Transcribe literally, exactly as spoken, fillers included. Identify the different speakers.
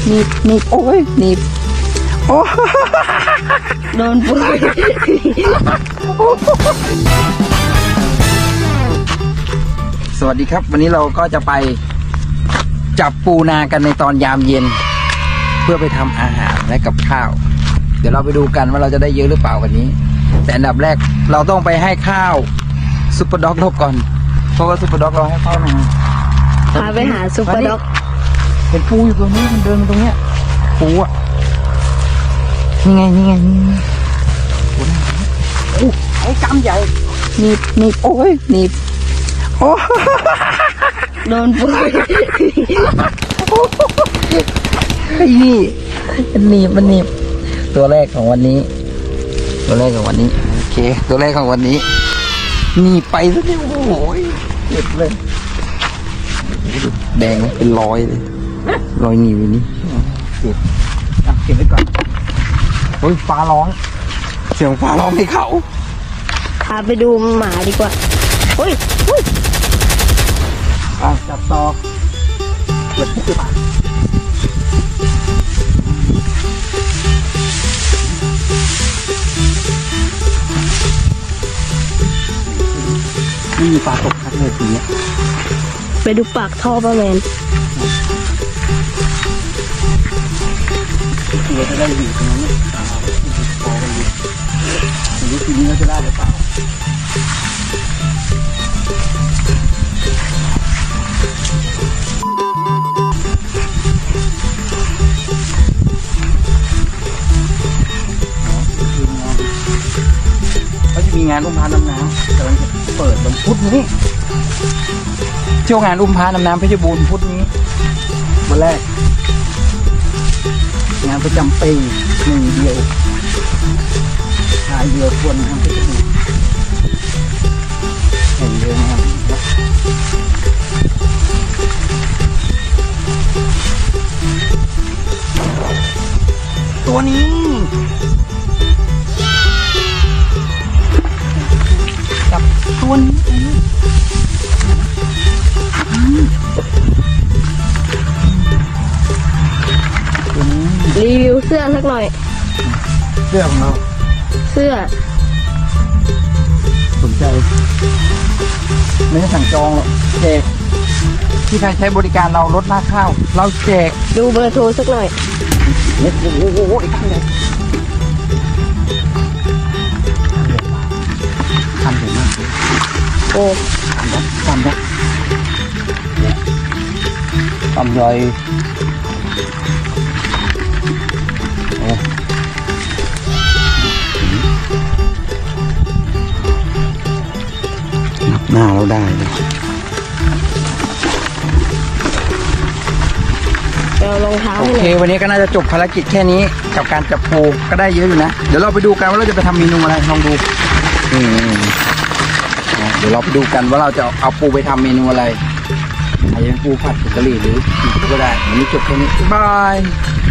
Speaker 1: หนีบหนีบโอ้ยหนีบโอ้โดนปูสวัสดีครับวันนี้เราก็จะไปจับปูนากันในตอนยามเย็นเพื่อไปทำอาหารและกับข้าวเดี๋ยวเราไปดูกันว่าเราจะได้เยอะหรือเปล่าวันนี้แต่อันดับแรกเราต้องไปให้ข้าวซุปเปอร์ด็อกเราก่อนเพราะว่าซุปเปอร์ด็อกเราให้ข้าวมา
Speaker 2: พาไปหาซุปเปอร์ด็อก
Speaker 1: เห็นปูอยู่ตรงนี้มันเดินมาตรงเนี้ยปูอ่ะนี่ไงนี่ไงนี่ไงโอ้ไอ้กำใหญ่หนีบหนีบโอ้ยหนีบโอ้
Speaker 2: โดนปู
Speaker 1: ไอ้นี่มันหนีบมันหนีบตัวแรกของวันนี้ตัวแรกของวันนี้โอเคตัวแรกของวันนี้หนีบไปซะเนี่ยโอ้โหเจ็บเลยแดงเป็นรอยเลยรอยหนีบนี้เก็บเก็บไว้ก่อนโอ้ยฟ้าร้องเสียงฟ้าร้องให้เขา
Speaker 2: พาไปดูหมาดีกว่าเฮ้ยเฮ้ย
Speaker 1: ไปจับต่อเปิดปุ๊บไม่มีปลาตกทักเลยทีนี้
Speaker 2: ไปดูปากท่อปลาแมน
Speaker 1: ตัวจะได้อยู่ตรงนั้นเนี่ยพอกันอยู่ไม่รู้ทีนี้เราจะได้หรือเปล่าเขาจะมีงานอุ้มพาน้ำน้ำกำลังจะเปิดวันพุธนี้เที่ยวงานอุ้มพาน้ำน้ำเพชรบูรณ์พุธนี้วันแรกงานประจำปีหนึ่งเดียวชายเดียวควรนะครับเพชรบูรณ์แห่งเดียวนะครับตัวนี้จับตัวนี้
Speaker 2: รีวิวเสื้อสักหน่อย
Speaker 1: เสื้อของเรา
Speaker 2: เสื้อ
Speaker 1: สนใจไม่ได้สั่งจองหรอกแจกที่ใครใช้บริการเราลดราคาข้าวเราแจก
Speaker 2: ดูเบอร์โทรสักหน่อย
Speaker 1: โอ้โหโอ้โหไอ้ตั้งเลยทำถึงมาก
Speaker 2: โอ้
Speaker 1: ทำได้ทำได้ทำเลยนับหน้าเราได้เลย
Speaker 2: เดี๋ยวรองเท้า
Speaker 1: โอเควันนี้ก็น่าจะจบภารกิจแค่นี้กับการจับปูก็ได้เยอะอยู่นะเดี๋ยวเราไปดูกันว่าเราจะไปทำเมนูอะไรลองดูอืมเดี๋ยวเราไปดูกันว่าเราจะเอาปูไปทำเมนูอะไรอาจจะเป็นปูผัดผงกะหรี่หรือก็ได้วันนี้จบแค่นี้บาย